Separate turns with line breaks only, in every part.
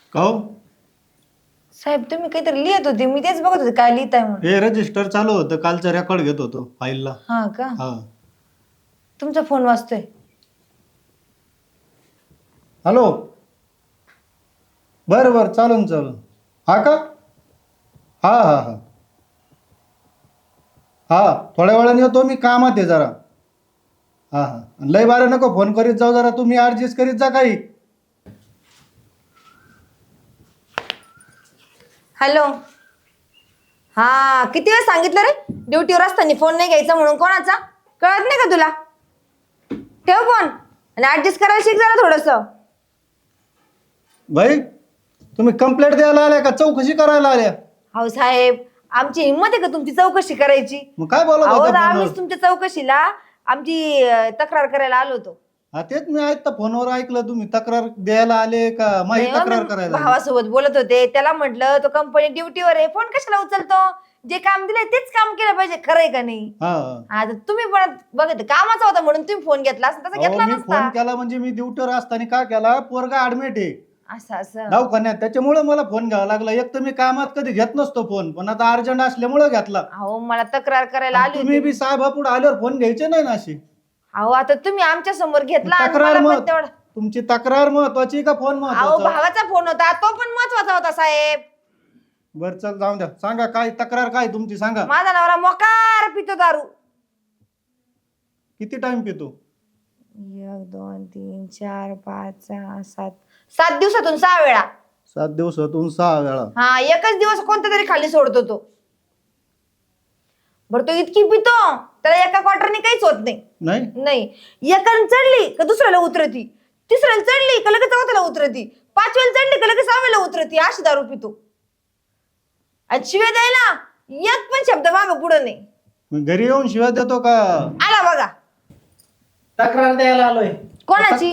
का हो?
साहेब तुम्ही काहीतरी लिहित होते, मी तेच बघत होते काय लिहिताय म्हणून.
हे रजिस्टर चालू होतं, कालचं रेकॉर्ड घेत होतो फाईलला.
हा का?
हा.
तुमचा फोन वाजतोय.
हॅलो. बरं बरं, चालून चालून. हा का? हा हा हा हा, थोड्या वेळाने येतो मी, कामात आहे जरा. हा हा, लय बारे नको फोन करीत जाऊ, जरा तुम्ही ऍडजस्ट करीत जा काही.
हॅलो. हा, किती वेळ सांगितलं रे ड्युटीवर असताना फोन नाही घ्यायचा म्हणून. कोणाचा कळत नाही का तुला? ठेव फोन आणि ऍडजस्ट करायला शिक जरा थोडस.
भाई, तुम्ही कंप्लेंट द्यायला आल्या का चौकशी करायला आल्या?
अहो साहेब, आमची हिंमत आहे का तुमची चौकशी करायची?
मग काय बोलत
अहो
होत्या
आम्हीच
फोनवर?
तुमच्या चौकशीला आमची तक्रार करायला आलो होतो.
हा, तेच मी ऐकता फोनवर ऐकलं, तुम्ही तक्रार द्यायला आले का माझी
नाही हो,
तक्रार
मी
करायला आले?
भावासोबत बोलत होते, त्याला म्हटलं तो कंपनी ड्युटीवर आहे, फोन कशाला उचलतो? जे काम दिलंय तेच काम केलं पाहिजे, खरंय का नाही?
हा हा.
आता तुम्ही पण बघत कामाचा होता म्हणून तुम्ही फोन घेतला असता, तसा
अहो,
घेतला
मी
नसता.
फोन केला म्हणजे मी ड्युटीवर असताना का केला, पोरगा ऍडमिट आहे
असं असं.
दवाखान्यात, त्याच्यामुळे मला फोन घ्यावा लागला. एक तर मी कामात कधी घेत नसतो फोन, पण आता अर्जंट असल्यामुळे घेतला.
अहो मला तक्रार करायला
आणि
आली
तुम्ही
होती.
बी साहेबापुढे आल्यावर फोन घ्यायचे नाही ना अशी.
अहो आता तुम्ही आमच्या समोर घेतला आणि
तक्रार
मला पण
मत
तेवढं.
तुमची तक्रार महत्वाची का फोन
अहो
महत्वाचा?
भावाचा फोन होता, तो पण महत्वाचा होता साहेब.
बर चल, जाऊन द्या. सांगा काय तक्रार, काय तुमची सांगा.
माझा नवरा मोकार पितो दारू.
किती टाइम पितो?
1 2 3 4 5 6 7 7 दिवसातून 6 वेळा.
7 दिवसातून 6 वेळा?
हा, एकच दिवस कोणता तरी खाली सोडतो तो. बरं तो इतकी पितो त्याला एका क्वार्टरने काहीच होत नाही.
नाही
नाही, एकाने चढली का दुसऱ्याला उतरती, तिसऱ्याला चढली का लगेच चौथ्याला उतरती, पाचव्याला चढली का लगेच सहाव्याला उतरती, अशी दारू पितो. आणि शिव्या द्यायला एक पण शब्द मागं पुढं नाही.
मग घरी येऊन शिवाय देतो का?
आला बघा.
तक्रार द्यायला आलोय.
कोणाची?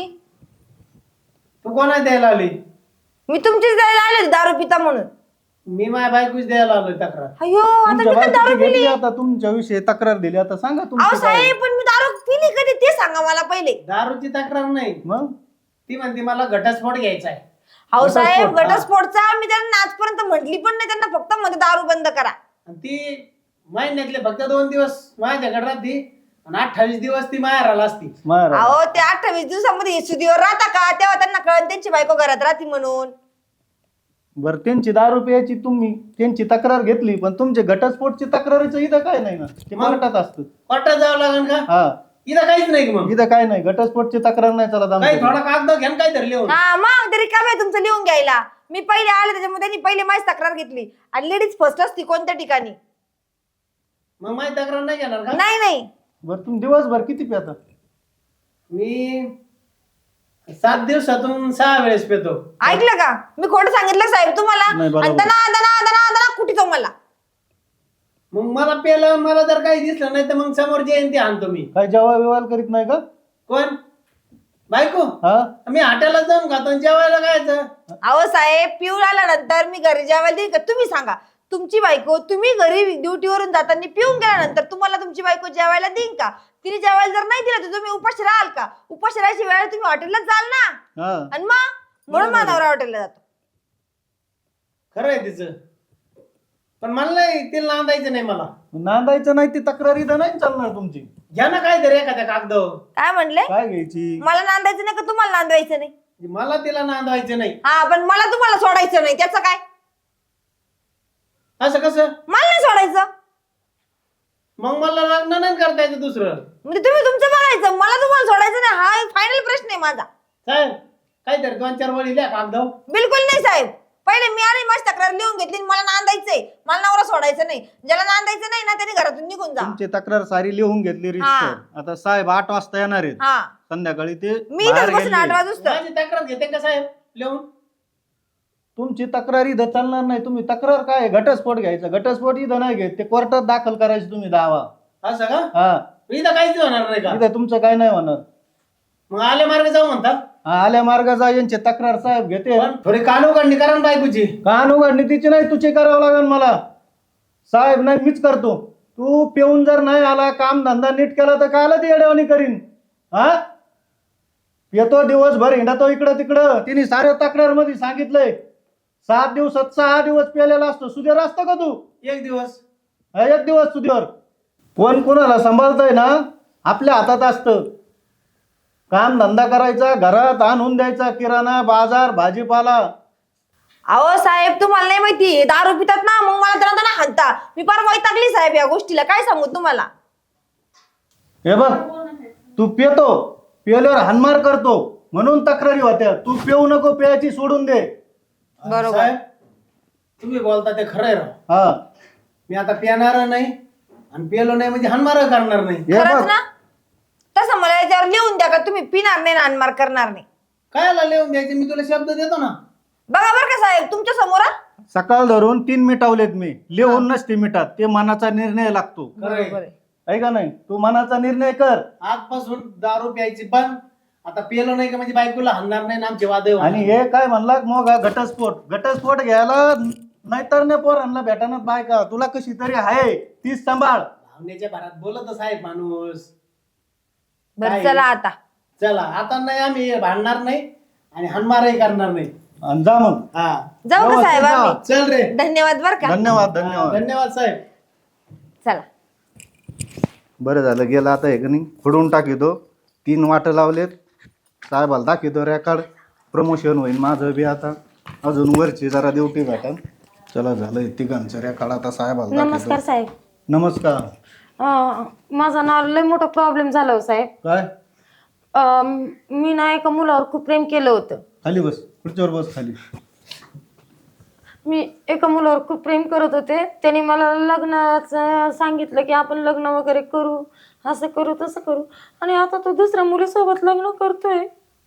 तू कोणा द्यायला आली?
मी तुमचीच द्यायला आले दारू पिता म्हणून.
मी माझ्या बायकोच द्यायला आलोय तक्रार.
अयो आता
तुमच्या
मी तर दारू
बायकोची
पिली.
घेतली, आता तुमच्या विषयी तक्रार दिली, आता सांगा
अहो
तुमचं काय.
साहेब पण मी दारू पिली कधी ते सांगा मला पहिले.
दारूची तक्रार नाही,
मग
ती म्हणते मला घटस्फोट घ्यायचा आहे.
अहो साहेब
घटस्फोट,
घटस्फोटचा मी त्यांना आजपर्यंत म्हटली पण नाही, त्यांना फक्त मध्ये दारू बंद करा.
आणि ती महिन्यातले फक्त 2 दिवस माझ्याकडे राहते आणि 28 दिवस ती माहेराला असती.
महाराज,
अहो ते 28 दिवसामध्ये सुदीवर राहता का? तेव्हा त्यांना कळत त्यांची बायको घरात राहते म्हणून.
बरं त्यांची दारू प्यायची, तुम्ही त्यांची तक्रार घेतली, पण तुमचे घटस्फोटची तक्रारीचं इथं काय नाही ना, ते
मग?
कोर्टात असतं.
कोर्टात जावं लागेल का?
हा,
इथं काहीच नाही की मग.
इथं काय नाही, घटस्फोटची तक्रार नाही चालत
काही
आमच्या.
थोडा कागद घ्या काय धरले हो.
हा मग तरी काम आहे तुमचं लिहून घ्यायला. मी पहिले आले त्याच्यामुळे त्यांनी पहिले माझी तक्रार घेतली. आणि लेडीज फर्स्ट असती कोणत्या ठिकाणी.
मग माझी तक्रार नाही घेणार का?
नाही नाही.
बरं तुम्ही दिवसभर किती प्याता?
मी 7 दिवसातून 6 वेळेस पेतो.
ऐकलं का? मी खोटं सांगितलं साहेब तुम्हाला?
नाही, बरोबर.
आणि दना दना दना दना कुठे तो मला.
मग मला पेलं, मला जर काही दिसलं नाही तर मग समोर जयंती आणतो मी.
काय जेव्हा विवाह करीत नाही का?
कोण? बायको?
हा,
मी हॉटेलला जाऊन खातो आणि जेवायला खायचं.
अहो साहेब पिऊन आल्यानंतर मी घरी जेवायला देईन का? तुम्ही सांगा. तुमची बायको तुम्ही घरी ड्युटीवरून जाताना पिऊन गेल्यानंतर तुम्हाला तुमची बायको जेवायला देईन का? तिने जेवायला जर नाही दिलं तर तुम्ही उपाशी राहाल का? उपाशी राहायची वेळेला तुम्ही हॉटेलला जाल ना.
हा.
आणि मग म्हणून माझा नवरा हॉटेलला जातो.
खरं आहे तिचं, पण मला नाही, तिला नांदायचं नाही मला.
नांदायचं नाही, ती तक्रार इथं नाही चालणार तुमची.
घ्या ना काहीतरी एखाद्या कागदावर.
काय म्हणले?
काय घ्यायची?
मला नांदायचं नाही का तुम्हाला नांदवायचं नाही?
मला तिला नांदवायचं नाही.
हा पण मला तुम्हाला सोडायचं नाही, त्याचं काय?
असं कसं?
मला नाही सोडायचं
मग मला लग्न नाही करता येतं दुसरं.
म्हणजे तुम्ही तुमचं बघायचं, मला तुम्हाला सोडायचं नाही. हा फायनल प्रश्न आहे माझा.
साहेब काहीतरी 2-4 वळी लिहा कागदावर.
बिलकुल नाही साहेब. पहिले मी आणि माझी तक्रार लिहून घेतली. मला नांदायचंय, मला नवरा सोडायचं नाही. ज्याला नांदायचं नाही ना त्याने घरातून निघून जा.
तुमची तक्रार सारी लिहून घेतली रिस्टर. आता साहेब 8 वाजता येणार आहेत
हा
संध्याकाळी, ते
मी
बाहेर
इथं बसून
गेलेले.
8 वाजता.
माझी तक्रार घेते का साहेब लिहून?
तुमची तक्रार इथं चालणार नाही. तुम्ही तक्रार काय, घटस्फोट घ्यायचा. घटस्फोट इथं नाही घेत, ते कोर्टात दाखल करायचे तुम्ही दावा.
असं का?
हा,
इथं काहीच होणार नाही का?
इथं तुमचं काय नाही होणार.
मग आले मार्ग जाऊ म्हणता.
हा, आल्या मार्गाचा यांची तक्रार साहेब घेते.
पण थोडी कानोकांडी करा ना बायकोची.
कान उघडणी तिची नाही, तुझी करावं लागेल मला. साहेब नाही, मीच करतो. तू पिऊन जर नाही आला, काम धंदा नीट केला तर कायला ती येड्यावानी करीन? हा, येतो दिवसभर हिंडतो इकडं तिकडं. तिने साऱ्या तक्रार मध्ये सांगितलंय 7 दिवसात 6 दिवस पेलेला असतो. सुधीर असतो का तू?
एक दिवस.
हा, एक दिवस सुधीर. कोण कोणाला सांभाळतंय ना आपल्या हातात असतं. काम धंदा करायचा, घरात आणून द्यायचा, किराणा बाजार भाजीपाला.
अहो साहेब तुम्हाला नाही माहिती दारू पितात ना मग मला तर ना हाणता. मी फार वैतागली साहेब या गोष्टीला, काय सांगू तुम्हाला.
हे बघ, तू पितो, पिल्यावर हानमार करतो म्हणून तक्रारी होत्या. तू पिऊ नको, प्यायची सोडून दे.
बरोबर.
साहेब तुम्ही बोलता ते खरंय राव.
हा,
मी आता पिणार नाही आणि पिलो नाही म्हणजे हानमार करणार नाही.
हे
खरंच
बघ,
ना. तसं मला याच्यावर लिहून द्या का तुम्ही पिणार नाही नानमार करणार नाही.
कायला लिहून द्यायचे, मी तुला शब्द देतो ना.
बघा बरं का साहेब तुमच्या समोर हा.
सकाळ धरून 3 मिटावलेत मी. लिहून नसते मिटात, ते मनाचा निर्णय लागतो.
खरंय.
बरोबर आहे.
आहे का नाही? तू मनाचा निर्णय कर.
आजपासून दारू प्यायची पण आता पिलो नाही का म्हणजे बायकोला हाणणार नाही ना आमचे वाद
आणि हे काय म्हणला मग हा घटस्फोट घ्यायला नाहीतर नाही पोरांना भेटानात बायका. तुला कशी तरी आहे तीच सांभाळ.
भावनेच्या भरात बोलत साहेब माणूस.
बरं
काय?
चला आता.
चला आता नाही आम्ही भांडणार नाही आणि हानमारही करणार नाही.
आणि जा मग.
हा
जाऊ का साहेब आम्ही.
चल रे.
धन्यवाद बरं का.
धन्यवाद
हा,
धन्यवाद.
धन्यवाद साहेब.
चला.
बरं झालं गेलं आता. हे का नाही फोडून टाकितो. 3 वाट लावलेत. साहेबाला दाखवतो रेकॉर्ड. प्रमोशन होईल माझं बी आता. अजून वरची जरा ड्युटी भेटन. चला झालं तिघांचं रेकॉर्ड आता साहेबाला
नमस्कार
दाखवतो.
साहेब.
नमस्कार.
माझा ना लय मोठा प्रॉब्लेम झाला हो साहेब.
काय?
मी ना एका मुलावर खूप प्रेम केलं होतं.
खाली बस, खुर्चीवर बस खाली.
मी एका मुलावर खूप प्रेम करत होते. त्याने मला लग्नाचं सांगितलं की आपण लग्न वगैरे करू, असं करू तसं करू. आणि आता तो दुसऱ्या मुलीसोबत लग्न करतोय.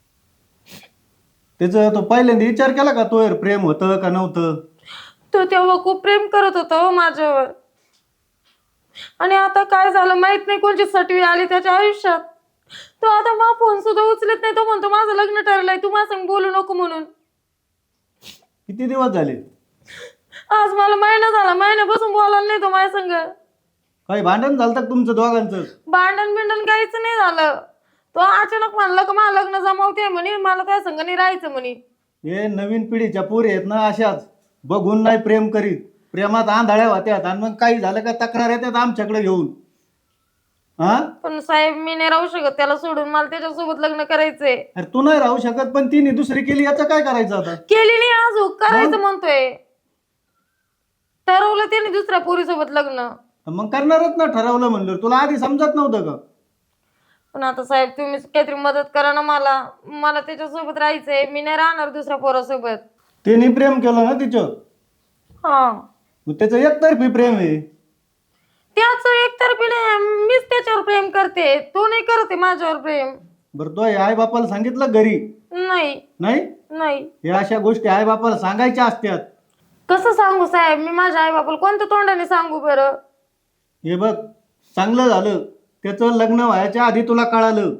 त्याचं तो पहिल्यांदा विचार केला का तो प्रेम होतं का नव्हतं?
तो तेव्हा खूप प्रेम करत होता हो माझ्यावर. आणि आता काय झालं माहित नाही, कोणची सटवी आली त्याच्या आयुष्यात. तो आता माझा फोन सुद्धा उचलत नाही. तो म्हणतो माझं लग्न ठरलंय, तू माझ्या संग बोलू नको म्हणून.
किती दिवस झाले?
आज मला महिना झाला, महिन्यापासून बोलायला नाही तो माझ्या संग.
काही भांडण झालं का तुमचं दोघांचं?
भांडण बिंडण काहीच नाही झालं. तो अचानक म्हणलं का मला लग्न जमावते म्हणे, मला त्या संग नाही राहायचं म्हणे.
हे नवीन पिढीच्या पोरी आहेत ना अशाच, बघून नाही प्रेम करीत, प्रेमात आंधळ्या होत्यात आणि मग काही झालं का तक्रार येतात आमच्याकडे घेऊन. हा,
पण साहेब मी नाही राहू शकत त्याला सोडून. मला त्याच्यासोबत लग्न करायचंय.
अरे तू नाही राहू शकत पण तिने दुसरी केली, याचं काय करायचं आता?
केली नाही अजून, करायचं म्हणतोय. ठरवलं त्याने दुसऱ्या पोरीसोबत लग्न.
मग करणारच ना ठरवलं म्हणलं. तुला आधी समजत नव्हतं का?
पण आता साहेब तुम्ही काहीतरी मदत करा ना मला. मला त्याच्यासोबत राहायचंय. मी नाही राहणार दुसऱ्या पोरासोबत.
तिने प्रेम केलं ना तिचं,
हा
मग त्याचं एकतर्फी प्रेम आहे.
त्याचं एकतर्फी नाही, मीच त्याच्यावर प्रेम करते. तो नाही करते माझ्यावर प्रेम.
बरं तो आई बापाला सांगितलं घरी?
नाही
नाही.
नाही.
हे अशा गोष्टी आई बापाला सांगायच्या असतात.
कसं सांगू साहेब मी माझ्या आई बापाला कोणत्या तोंडाने सांगू बरं?
हे बघ, चांगलं झालं त्याचं लग्न व्हायच्या आधी तुला कळालं.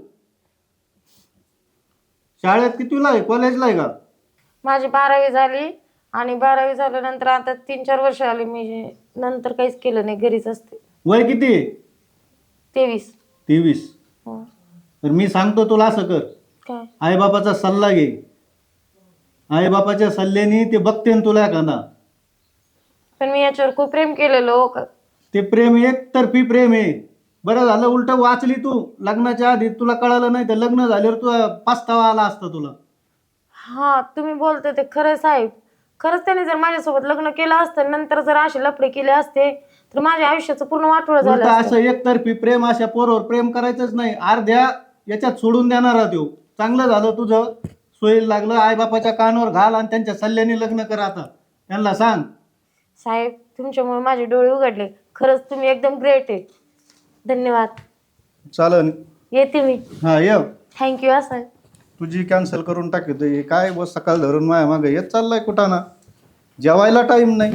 शाळेत कितीला आहे, कॉलेजला आहे का?
माझी 12वी झाली आणि 12वी झाल्यानंतर आता 3-4 वर्ष आली. मी नंतर काहीच केलं नाही, घरीच असते.
वय किती आहे?
23.
23.
हो.
तर मी सांगतो तुला असं कर,
काय?
आईबापाचा सल्ला घे. आईबापाच्या सल्ल्याने ते बघते ना तुला एखादा.
पण मी याच्यावर खूप प्रेम केलेलं हो का.
ते प्रेम एकतर्फी प्रेम आहे. बरं झालं उलट वाचली तू. लग्नाच्या आधी तुला कळालं नाही तर लग्न झाल्यावर तुला पस्तावा आला असता तुला.
हा तुम्ही बोलते ते खरं साहेब. खरंच त्याने जर माझ्यासोबत लग्न केलं असतं, नंतर जर असे लफडे केले असते तर माझ्या आयुष्याचं पूर्ण वाटोळं झालं
उलट
असतं.
असं एकतर्फी प्रेम अशा पोरावर प्रेम करायचंच नाही. अर्ध्या याच्यात सोडून देणारा तो. चांगलं झालं तुझं सोयीला लागलं. आईबापाच्या कानावर घाल आणि त्यांच्या सल्ल्याने लग्न कर. आता त्यांना सांग.
साहेब तुमच्यामुळे माझे डोळे उघडले. खरंच तुम्ही एकदम ग्रेट आहे. धन्यवाद.
चालन.
येते मी.
हा ये.
थँक्यू हा साहेब.
तुझी कॅन्सल करून टाकतोय काय बस. सकाळ धरून माया मागे येत चाललाय कुठं ना. जेवायला टाइम नाही.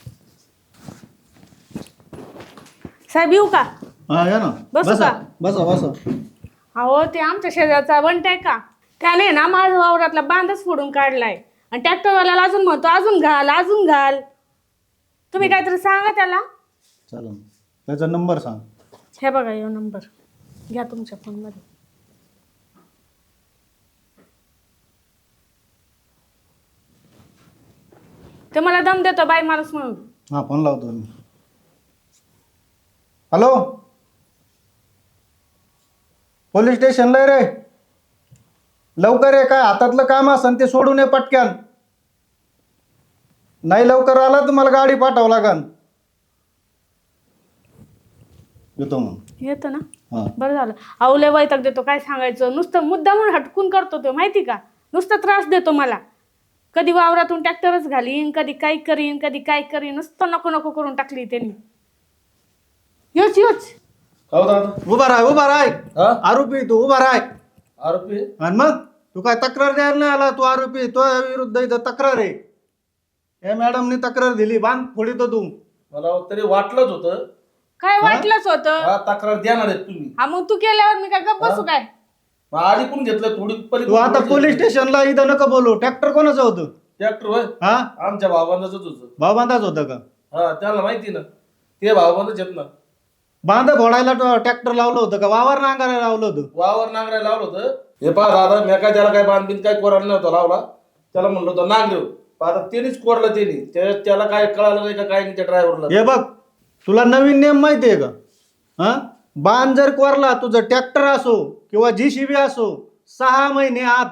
साहेब येऊ का?
हा या ना.
बसू
बसा
का?
बसा बसा.
अहो ते आमच्या शेजारचा बंट आहे का, त्याने ना माझ्या वावरातला बांधच फोडून काढलाय आणि ट्रॅक्टरवाल्याला अजून म्हणतो अजून घाल अजून घाल. तुम्ही काहीतरी सांगा त्याला.
चालन. त्याचा नंबर सांग.
हे बघा यो नंबर घ्या तुमच्या फोनमध्ये. ते मला दम देतो बाई माणूस म्हणून.
हा फोन लावतो मी. हॅलो, पोलीस स्टेशनला आहे रे. लवकर आहे, काय हातातलं काम असन ते सोडून ये पटक्यान. नाही लवकर आला तर मला गाडी पाठवावं लागन. येतो मग.
येतो ना.
हा
बरं झालं. अहो लय वैताग देतो, काय सांगायचं. नुसतं मुद्दा म्हणून हटकून करतो तो, माहिती का. नुसता त्रास देतो मला. कधी वावरातून ट्रॅक्टरच घालीन, कधी काय करीन, कधी काय करीन. नुसतं नको नको करून टाकली त्यांनी. योच योच.
उभा राय
हा?
आरोपी तू उभा राय.
आरोपी
आणि मग तू काय तक्रार द्यायला नाही आला. तू आरोपी, तो विरुद्ध इथं तक्रार आहे. हे मॅडमनी तक्रार दिली, बांध फोडीतो तू.
मला तरी वाटलंच होतं.
काय वाटलंच होतं.
हा, तक्रार देणार आहेत तुम्ही.
हा मग तू केल्यावर मी काय गप्प बसू काय.
मग आधी पण घेतलं थोडी
तू आता पोलीस स्टेशनला इथं नका बोलू. ट्रॅक्टर कोणाचं होतं?
ट्रॅक्टर होय
हा
आमच्या भावबंदाच होतं.
भाऊबांधाच होतं का?
हा त्याला माहिती ना, ते भावबंदच आहेत ना.
बांध फोडायला ट्रॅक्टर लावलं होतं का वावर नांगायला लावलं होतं?
वावर नांगरायला लावलं होतं. हे पहा दादा, मी काय त्याला काय बांधबीन काय कोरायला नव्हता लावला. त्याला म्हणलं होतं नांगरेव. आता त्यानेच कोरलं त्याला काय कळालं नाही का काय नाही त्या ड्रायव्हरला.
हे बघ, तुला नवीन नियम माहिती आहे का? हा बांध जर कोरला, तुझं ट्रॅक्टर असो किंवा JCB असो, 6 महिने आत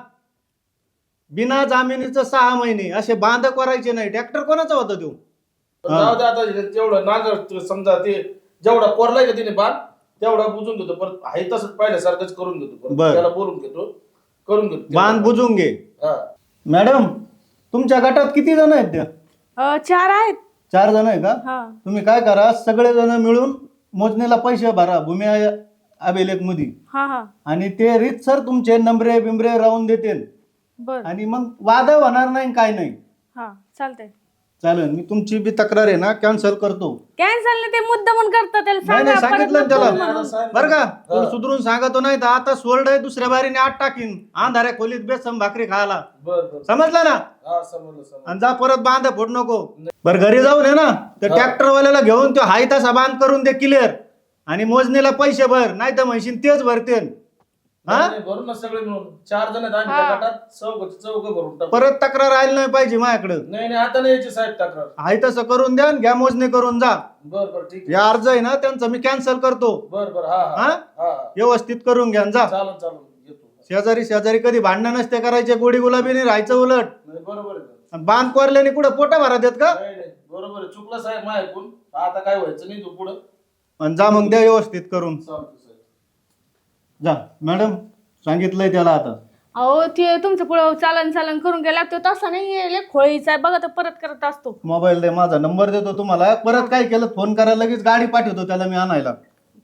बिना जामिनीचं 6 महिने असे बांध करायचे नाही. ट्रॅक्टर कोणाचा होता तो?
जाऊ दे आता, तेवढं नांगर समजा ते जेवढा कोरलाय का तिने बांध तेवढा बुजून घेतो. परत आहे तसंच पहिल्यासारखंच करून घेतो. परत
बरं.
त्याला बोलून घेतो, करून घेतो.
बांध बुजून घे.
हा.
मॅडम, तुमच्या गटात किती जण आहेत त्या?
4 आहेत.
4 जण आहे का?
हा
तुम्ही काय करा, सगळे जण मिळून मोजणीला पैसे भरा भूमी अभिलेख मध्ये.
हा हा
आणि ते रीतसर तुमचे नंबरे बिंबरे राहून देते.
बर.
आणि मग वाद होणार नाही, काय नाही.
हा चालतंय.
चालेल, मी तुमची बी तक्रार आहे ना कॅन्सल करतो.
कॅन्सल ते मुद्दा म्हणून करतात त्याला
नाही नाही,
सांगा, परत
सांगितलं ना
नको
त्याला.
म्हणून.
बरं का, तुला सुधरून सांगतो. नाही तर आता सोल्ड आहे, दुसऱ्या बारीने आत टाकीन अंधाऱ्या खोलीत बेसम भाकरी खायला.
बर बर.
समजलं ना?
हा समजलं.
आणि जा परत बांध फोड नको. बरं घरी जाऊन आहे ना तर ट्रॅक्टरवाल्याला घेऊन तो हाय तसा बांध करून दे क्लिअर. आणि मोजणीला पैसे भर, नाही तर म्हणशील तेच भरते. हा
भरून ना सगळे मिळून 4 जण आहेत आम्ही त्या गटात. चौघ भरून टाकू.
परत तक्रार आली नाही पाहिजे माझ्याकडं.
नाही आता नाही यायची साहेब तक्रार.
हाय तसं करून द्या आणि घ्या मोजणी करून जा.
बर बर ठीक आहे.
या अर्ज आहे ना त्यांचा मी कॅन्सल करतो.
बर बर. हा हा
हा
हा.
व्यवस्थित करून घ्या आणि जा.
चालन चालन येतो.
शेजारी शेजारी कधी भांडणं नसते करायचे, गोडी गुलाबी नाही राहायचं उलट.
नाही बरोबर आहे.
आणि बांध कोरल्याने कुठं पोटा भरा देत का?
नाही नाही बरोबर आहे. चुकलं साहेब माझ्या ऐकून. आता काय व्हायचं नाही तू पुढं.
आणि जा मग द्या व्यवस्थित करून.
चालतं साहेब.
जा मॅडम, सांगितलंय त्याला आता.
अहो ते तुमचं पुढं चालन करून गेला तो तसा नाही खोळीचा आहे बघा, तो परत करत असतो.
मोबाईल दे, माझा नंबर देतो तुम्हाला. परत काय केलं फोन करायला लगेच गाडी पाठवतो त्याला मी आणायला.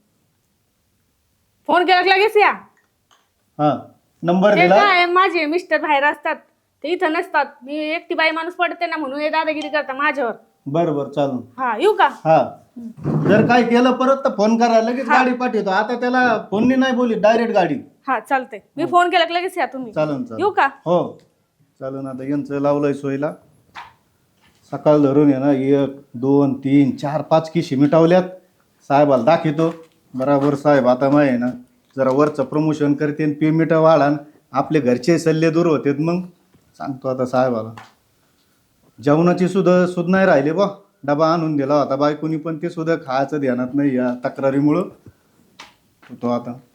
फोन केला की लगेच या.
हा नंबर
ते
दिला.
काय माझे मिस्टर बाहेर असतात, ते इथं नसतात. मी एकटी बाई माणूस पडते ना म्हणून हे दादागिरी करता माझ्यावर.
बरं बरं चालून.
हा येऊ का?
हा जर काय केलं परत तर फोन करा, लगेच गाडी पाठवतो. आता त्याला फोननी नाही बोली, डायरेक्ट गाडी.
हा चालतंय. मी फोन केला की लगेच या तुम्ही.
चालन
येऊ का?
हो चालन. आता यांचं लावलंय सोयीला. सकाळ धरून आहे ना 1 2 3 4 5 किशी मिटावल्यात. साहेबाला दाखवतो बराबर. साहेब आता मग आहे ना जरा वरचं प्रमोशन करते, पेमेंट वाढान, आपले घरचे सल्ले दूर होते. मग सांगतो आता साहेबाला. जेवणाची सुद्धा नाही राहिली बा. डबा आणून दिला होता बायकोनी, पण ते सुद्धा खायचं ध्यानात नाही या तक्रारीमुळं. तो आता